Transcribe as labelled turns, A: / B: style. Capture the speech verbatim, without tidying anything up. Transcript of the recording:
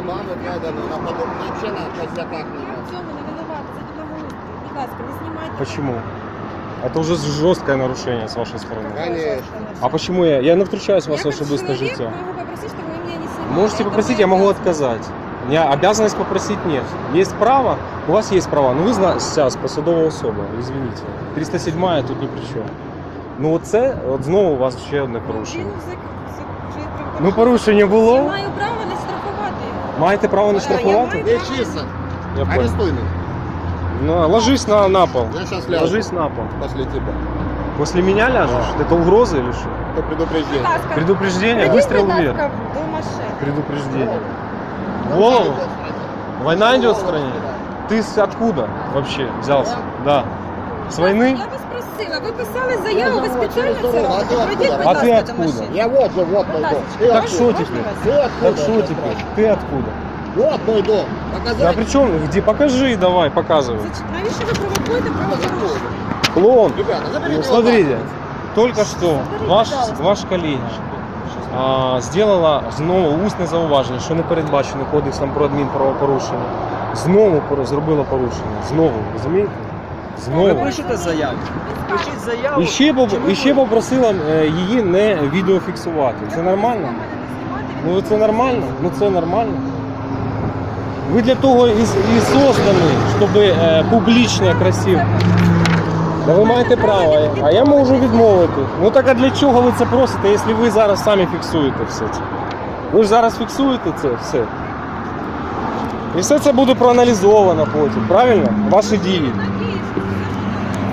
A: маму крадену, на подобне, взагалі на козяках
B: Я
A: нема.
B: в цьому не винувата, це благоустрій. Будь ласка, не знімайте.
C: Почему? Это уже жесткое нарушение с вашей стороны.
A: Конечно.
C: А почему я? Я не втручаюсь в
B: Я
C: ваше
B: как
C: особистое
B: человек
C: життя.
B: могу попросить, чтобы вы меня не снимали.
C: Можете
B: Это
C: попросить,
B: моя
C: я могу
B: обязанность.
C: отказать. У меня обязанность попросить нет. Есть право, у вас есть права. Ну ви зна- зараз посадова особа, извините. триста сьома тут ні при чому. Ну оце, от знову у вас ще одне порушення.
B: Він за- за- вже правопорушення.
C: Ну порушення
B: Я
C: було.
B: маю право не штрафувати.
C: Маєте право не
B: Так, я
C: штрафувати?
B: маю-
A: Не чисто.
C: Я понял.
A: Арестуй меня.
C: Ну, ложись на, на пол.
A: Я сейчас ляжу.
C: Ложись на пол.
A: После тебя.
C: После меня ляжешь? Это угроза или что?
A: Это
B: Будь
A: предупреждение.
B: ласка,
C: Предупреждение?
B: пройдіть,
C: Выстрел
B: будь ласка,
C: вверх.
B: до машини.
C: Предупреждение. Голову? Война идет в стране? Ты с откуда вообще взялся? Да. С войны?
B: Я вас просила, ви писали заяву, ви спеціально це робите. Пройдіть, будь
C: А
B: ласка,
C: ти
B: до
C: откуда?
B: машини.
A: Я вот же, вот мой
B: Будь
A: дом.
B: ласка.
A: Ты
C: Так
A: откуда?
C: что
B: Можна
C: теперь?
B: вас?
A: Ты откуда?
C: Так что
A: я
C: теперь?
A: спрашиваю?
C: Ты откуда?
A: Вот мой дом.
C: Да
A: Показать?
C: при чем? Где? Покажи давай, показывай.
B: Зач- Навіщо ви провокуєте правопорушення?
C: Клоун.
A: Ребята, заберите
C: Ну,
A: его
C: смотрите,
A: нахуй.
C: только что ваш,
B: пожалуйста.
C: ваш колега а, сделала знову усне зауваження, що не передбачено кодексом про адмінправопорушення. Знову пор- зробила порушення. Знову, розумієте?
D: Ви
C: Знову.
D: пишете заяву. Пишіть заяву.
C: І ще, поп-
D: Чи ви
C: і ще попросила е, її не відеофіксувати. Це нормально? Ну це нормально? Ну це нормально. Ви для того і, з- і создані, щоб е, публічно, красиво. Да ви маєте право, а я можу відмовити. Ну так а для чого ви це просите, якщо ви зараз самі фіксуєте все це? Ви ж зараз фіксуєте це все. І все це буде проаналізовано потім, правильно? Ваші дії.